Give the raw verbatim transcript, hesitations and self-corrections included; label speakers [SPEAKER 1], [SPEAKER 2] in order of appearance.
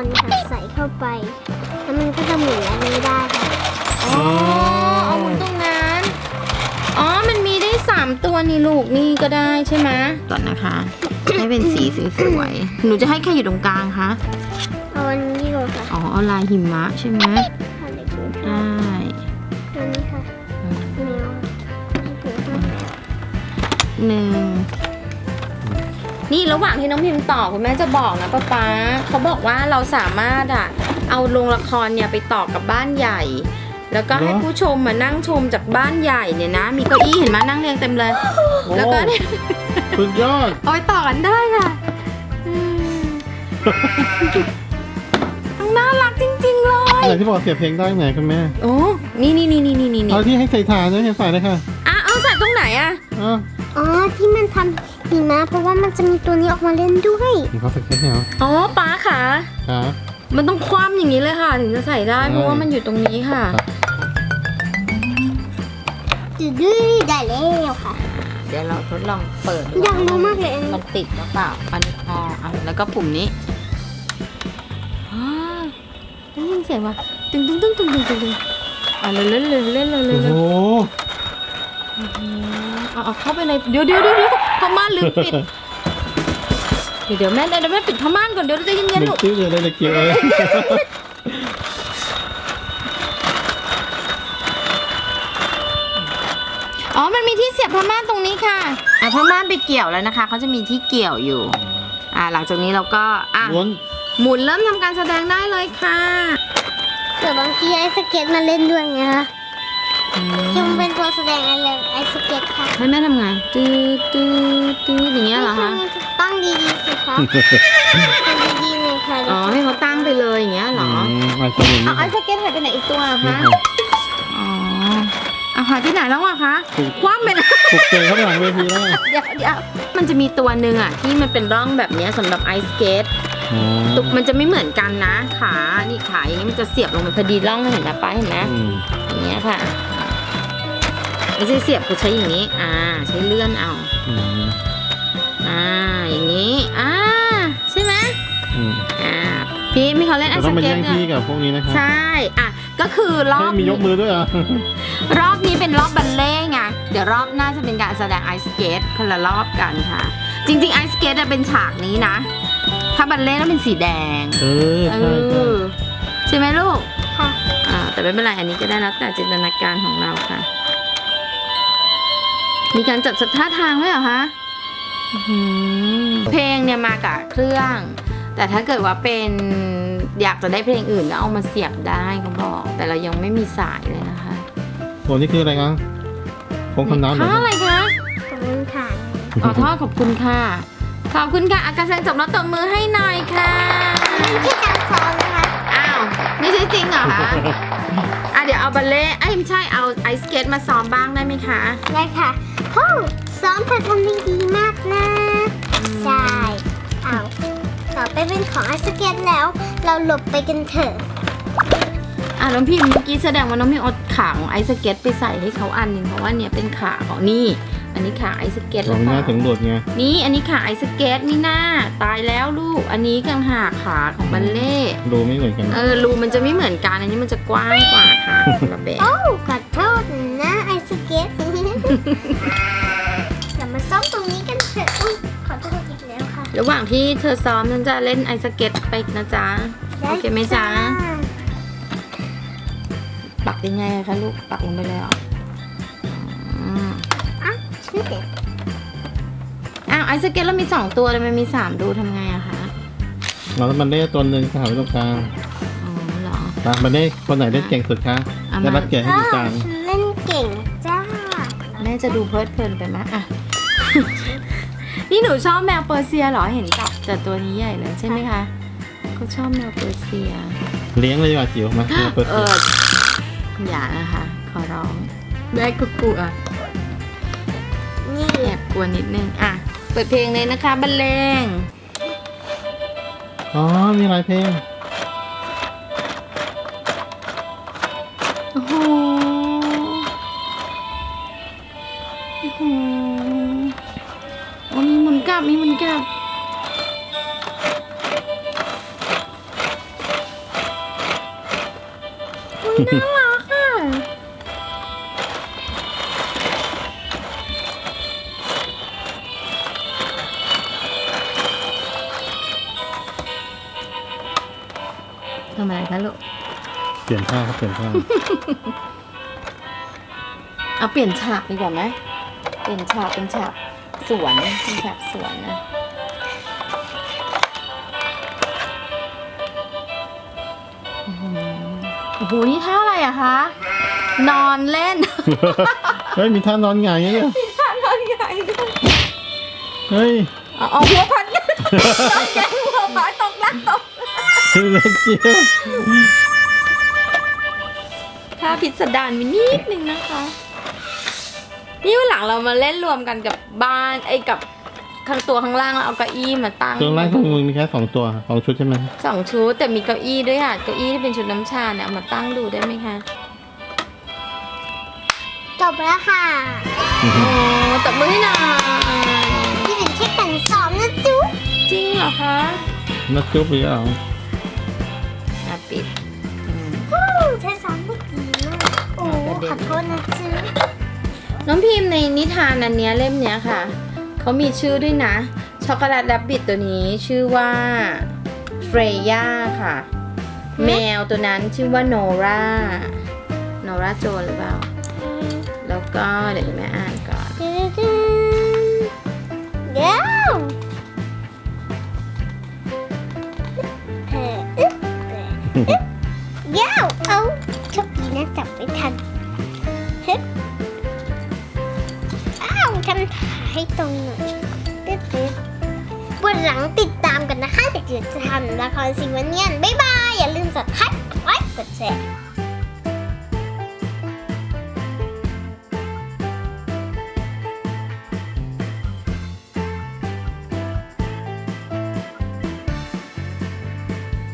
[SPEAKER 1] ค่ะใส่เข้าไปแล้วมันก็จะหมุนอันนี้ได้ค่ะ
[SPEAKER 2] อ๋อเอาหมุนตรงนั้นอ๋อมันมีได้สามตัวนี่ลูกนี่ก็ได้ใช่ไหมก่อนนะคะ ให้เป็นสีสวยๆหนูจะให้ใครอยู่ตรงกลางคะ
[SPEAKER 1] เอาอันนี้ดีกว่าค่ะ
[SPEAKER 2] อ๋อเอาลายหิมะใช่ไหม
[SPEAKER 1] อันนี้ค่ะ
[SPEAKER 2] ได้
[SPEAKER 1] อันนี้ค่ะแมวถือค่ะ
[SPEAKER 2] หนึ่งนี่ระหว่างที่น้องพิมพ์ต่อคุณแม่จะบอกนะป๊าป๊าเขาบอกว่าเราสามารถอะเอาโรงละครเนี่ยไปต่อกับบ้านใหญ่ แล้วก็ให้ผู้ชมมานั่งชมจากบ้านใหญ่เนี่ยนะ มีเก้าอี้เห็นไหมนั่งเรียงเต็มเลย แล้วก็เนี่ย
[SPEAKER 3] สุดยอด
[SPEAKER 2] เอาไปต่อกันได้ค่ะน่ารักจริงๆเลย
[SPEAKER 3] อะไรที่บอกเสียบเพลงได้ไหนคุณแม่
[SPEAKER 2] โอ้นี่นี่นี่นี่นี่นี่
[SPEAKER 3] เอาที่ให้ใส่ฐานนะใส่เลยค่ะ
[SPEAKER 2] อ่ะเอาใส่ตรงไหนอ่ะ
[SPEAKER 3] อ๋อ
[SPEAKER 1] อ๋อที่มันทำหิมะเพราะว่ามันจะมีตัวนี้ออกมาเล่นด้วย
[SPEAKER 3] มีเขาสเก็ตเหรอ
[SPEAKER 2] อ๋อป๊าค่ะ
[SPEAKER 3] ครับ
[SPEAKER 2] มันต้องคว่ำอย่างนี้เลยค่ะ ถึงจะใส่ได้
[SPEAKER 3] ใช่
[SPEAKER 2] เพราะว่ามันอยู่ตรงนี้ค่ะ
[SPEAKER 1] ดื้อดื้อได้แล้วค่ะ
[SPEAKER 2] เดี๋ยวเราทดลองเปิด
[SPEAKER 1] อยากรู้มากเลยอันนี้
[SPEAKER 2] มันติดหรือเปล่าอันนี้อ๋ออ่ะแล้วก็ปุ่มนี้อ๋อได้ยินเสียงว่ะตึงตึงตึงตึงตึงตึงตึงอ่ะเล่นเล่นเล่นเล่นเล่นเล่น
[SPEAKER 3] โอ้โห
[SPEAKER 2] เอาเอาเข้าไปในเดี๋ยวเดี๋ยวเดี๋ยวเดี๋ยวพม่านลืมปิดเดี๋ยวเดี๋ยวแม่เดี๋ยวแม่ปิดพม่านก่อนเดี๋ยวเราจะเย็น
[SPEAKER 3] เด็
[SPEAKER 2] ๆ
[SPEAKER 3] ก
[SPEAKER 2] ลูก
[SPEAKER 3] จิ้วเลยเด็กจิ้วเลย
[SPEAKER 2] อ๋อมันมีที่เสียบพม่านตรงนี้ค่ะอ่ะพม่านไปเกี่ยวแล้วนะคะเขาจะมีที่เกี่ยวอยู่อ่ะหลังจากนี้เราก็อ่ะ
[SPEAKER 3] ม้วน
[SPEAKER 2] หมุนเริ่มทำการแสดงได้เลยค่ะ
[SPEAKER 1] เดี๋ยวบางทีไอสเก็ตมาเล่นด้วยไงคะจึงเป็นตัวแสดงไอเลไอสเก็ตค่ะ
[SPEAKER 2] ให้แม่ทำไงตืดตืดตืดอย่างเงี้ยเหรอคะ
[SPEAKER 1] ตั้งดีๆสิคะตั้งดีๆเลยค่ะ
[SPEAKER 2] อ๋อให้เขาตั้งไปเลยอย่างเงี้ยเหรอ
[SPEAKER 3] ไอ้ตัวนี้
[SPEAKER 2] เอาไอสเก็ตหายไปไหนอีกตัวอะ
[SPEAKER 3] นี่
[SPEAKER 2] คะ
[SPEAKER 3] ค่ะ
[SPEAKER 2] อ๋อเอาหายที่ไหนแล้วอะคะ
[SPEAKER 3] ถูก
[SPEAKER 2] คว่ำไปนะ
[SPEAKER 3] ถูกเจอข้างหลังเวทีแล้ว
[SPEAKER 2] เดี๋ยวเดี๋ยวมันจะมีตัวหนึ่งอะที่มันเป็นร่องแบบเนี้ยสำหรับไอสเกต
[SPEAKER 3] อ๋อ
[SPEAKER 2] ตุกมันจะไม่เหมือนกันนะขานี่ขาอย่างนี้มันจะเสียบลงไปพอดีร่องเห็นไหมป้าเห็นไหม
[SPEAKER 3] อืม
[SPEAKER 2] อย่างเงี้ยค่ะไม่ใช่เสียบเขาใช้อย่างนี้ อ่า ใช้เลื่อนเอา
[SPEAKER 3] อืม
[SPEAKER 2] อ่า อย่างนี้ อ่า ใช่ไหม
[SPEAKER 3] อืม
[SPEAKER 2] อ่า พี่มีเขาเล่นไอ
[SPEAKER 3] เรา
[SPEAKER 2] ส
[SPEAKER 3] ต้องไป
[SPEAKER 2] เก็
[SPEAKER 3] แย่
[SPEAKER 2] ต
[SPEAKER 3] ง
[SPEAKER 2] เนี่
[SPEAKER 3] ที่
[SPEAKER 2] ย
[SPEAKER 3] กับพวกนี้นะคะ
[SPEAKER 2] ใช่ อ่ะ ก็คือรอบ
[SPEAKER 3] เฮ้ยมียกมือด้วยเหรอ
[SPEAKER 2] รอบนี้เป็นรอบบัลเล่ต์ไง เดี๋ยวรอบหน้าจะเป็นการแสดงไอสเก็ตคนละรอบกันค่ะ จริงๆไอสเก็ตเป็นฉากนี้นะ ถ้าบัลเล่ต์ต้องเป็นสีแดง
[SPEAKER 3] เออ
[SPEAKER 2] เอ
[SPEAKER 3] ใช่ใช่
[SPEAKER 2] อ ใช่ไหมลูก
[SPEAKER 1] ค่ะ
[SPEAKER 2] อ่า แต่ไม่เป็นไร อันนี้ก็ได้แล้วแต่จินตนาการของเราค่ะ มีการจัดท่าทางด้วยเหรอคะอื้อหือเพลงเนี่ยมากับเครื่อง แต่ถ้าเกิดว่าเป็นอยากจะได้เพลงอื่นก็เอามาเสียบได้เขาบอก แต่เรายังไม่มีสายเลยนะคะ
[SPEAKER 3] โหนี่คืออะไรคะพงคำน้ำเหรอ
[SPEAKER 2] ท่าอะไรคะ
[SPEAKER 1] ขอบคุณค่ะ
[SPEAKER 2] อ๋อท่อขอบคุณค่ะ ขอบคุณค่ะอาการแสดงจบแล้วตบมือให้หน่อยค่ะ
[SPEAKER 1] นี่คือการซ้อมนะคะ
[SPEAKER 2] อ้าวนี่ใช่จริงเหรอคะอ่ะเดี๋ยวเอาบัลเล่ต์ไอ้ยไม่ใช่เอาไอสเก็ตมาซ้อมบ้างได้ไหมคะ
[SPEAKER 1] ได้ค่ะโอ้ซ้อมเธอทำได้ดีมากนะ ใช่เอาต่อไปเป็นของไอสเก็ตแล้ว เราหลบไปกันเถอะ
[SPEAKER 2] อ่ะน้องพิมพ์เมื่อกี้แสดงว่าน้องพิมพ์เอาขาของไอสเก็ตไปใส่ให้เขาอันหนึ่งเพราะว่าเนี่ยเป็นขาของนี่ อันนี้ขาไอสเก็ต
[SPEAKER 3] ล
[SPEAKER 2] แล้
[SPEAKER 3] อ
[SPEAKER 2] ว
[SPEAKER 3] งหน้า
[SPEAKER 2] ค่ะ
[SPEAKER 3] ถึงหลุดไง
[SPEAKER 2] นี่อันนี้ขาไอสเก็ตนี่หน้าตายแล้วลูก อันนี้กังหากขาของบัลเล่ต์
[SPEAKER 3] ดูไม่เหมือนกัน
[SPEAKER 2] เออรูมันจะไม่เหมือนกันอันนี้มันจะกว้างกว่าค่ะระเบะ
[SPEAKER 1] โอ้ขอโทษนะไอสเก็ต เรามาซ้อมตรงนี้กันเถอะอุ๊ยขอโทษอีกแล้วค่ะ
[SPEAKER 2] ระหว่างที่เธอซ้อมฉันจะเล่นไอสเก็ตไปนะจ๊ะโอเคไหมจ๊ะปักยังไงคะลูกปักลงไปเลยเหรออืม
[SPEAKER 1] อ่ะชื่อเด็ก
[SPEAKER 2] อ้าวไอสเก็ตเรามีสองตัวเลยมันมีสามดูทำไงอะคะ
[SPEAKER 3] เราต้องมันได้ตัวหนึ่งค่ะไว้ตรงกลาง
[SPEAKER 2] อ๋อเหรอ
[SPEAKER 3] ตามมันได้คนไหนได้เก่งสุดคะ
[SPEAKER 2] เอามา
[SPEAKER 3] ได้รับแกะให้
[SPEAKER 1] อ้า
[SPEAKER 3] ดู
[SPEAKER 1] ว
[SPEAKER 3] กลาง
[SPEAKER 1] ฉันเล่นเก่งจ้า
[SPEAKER 2] แม่จะดูเพลิดเพลินไปไหมอะ นี่หนูชอบแมวเปอร์เซียเหรอเห็นจับแต่ตัวนี้ใหญ่เลยใช่ไหมคะเขาชอบแมวเปอร์เซีย
[SPEAKER 3] เลี้ยงเลยดีกว่าจิ๋วมาเปิด
[SPEAKER 2] เอออย่านะคะ ขอร้องแม่ก็กลัว
[SPEAKER 1] นี่
[SPEAKER 2] แอบกลัวนิดนึงอ่ะเปิดเพลงเลยนะคะบรรเลง
[SPEAKER 3] อ๋อมีหลายเพลง
[SPEAKER 2] โอ้โหโอ้โหโอ้มีหมุนกลับมีหมุนกลับน่ารักอ่ะทำอะไรคะลูก
[SPEAKER 3] เปลี่ยนผ้าครับเปลี่ยนผ้า
[SPEAKER 2] เอาเปลี่ยนฉากดีกว่าไหมเปลี่ยนฉากเป็นฉากสวนเป็นฉากสวนนะอื้อหือโอ้โหนี่ท่าอะไรอะคะ นอนเล่น
[SPEAKER 3] เฮ้ยมีท่านอนหงายเนี่ย
[SPEAKER 2] ท่านอนใหญ่ด้วย
[SPEAKER 3] เฮ้ย
[SPEAKER 2] เอาเอาหัวพัน นอนใหญ่หัวพันตกน้ำตก
[SPEAKER 3] เล็กเจียว
[SPEAKER 2] ถ้าพิสดารมีนิดนึงนะคะ นี่วันหลังเรามาเล่นรวมกันกับบ้านไอ้กับข้างตัวข้างล่างแล้วเอาเก้าอี้มาตั้ง
[SPEAKER 3] ตรงล่างของมึงมีแค่สองตัวสองชุดใช่ไหม
[SPEAKER 2] สองชุดแต่มีเก้าอี้ด้วยค่ะเก้าอี้ที่เป็นชุดน้ำชาเนี่ยเอามาตั้งดูได้ไหมคะ
[SPEAKER 1] จบแล้วค่ะ
[SPEAKER 2] โอ้ตบมือให้หน่อย
[SPEAKER 1] นี่เป็นแค่การซ้อมนะจุ๊บ
[SPEAKER 2] จริงเหรอคะ
[SPEAKER 3] นัดจุ๊บหรือเปล่า
[SPEAKER 2] อ่ะปิดอืม
[SPEAKER 1] ฮู้ใช้ซ้อมได้ดีมากโอ้
[SPEAKER 2] กระเด็น
[SPEAKER 1] ขอโทษนะจุ๊บ
[SPEAKER 2] น้องพิมพ์ในนิทานอันเนี้ยเล่มเนี้ยค่ะเขามีชื่อด้วยนะช็อกโกแลตแรบบิทตัวนี้ชื่อว่าเฟรย่าค่ะ แมวตัวนั้นชื่อว่าโนราโนราโจนหรือเปล่า แล้วก็เดี๋ยวแม่อ่านก่อน
[SPEAKER 1] เดี๋ยวเอออึ๊บเดี๋ยวเอาโชคดีนะจับไม่ทันเฮ้ยอ้าวทำถ่ายให้ตรงหน่อยตึ๊ดตึ๊ดวันหลังติดตามกันนะคะเดี๋ยวจะทำละครสิวันเนียนบ๊ายบาย อย่าลืมสับสไครต์กดไลค์กดแชร์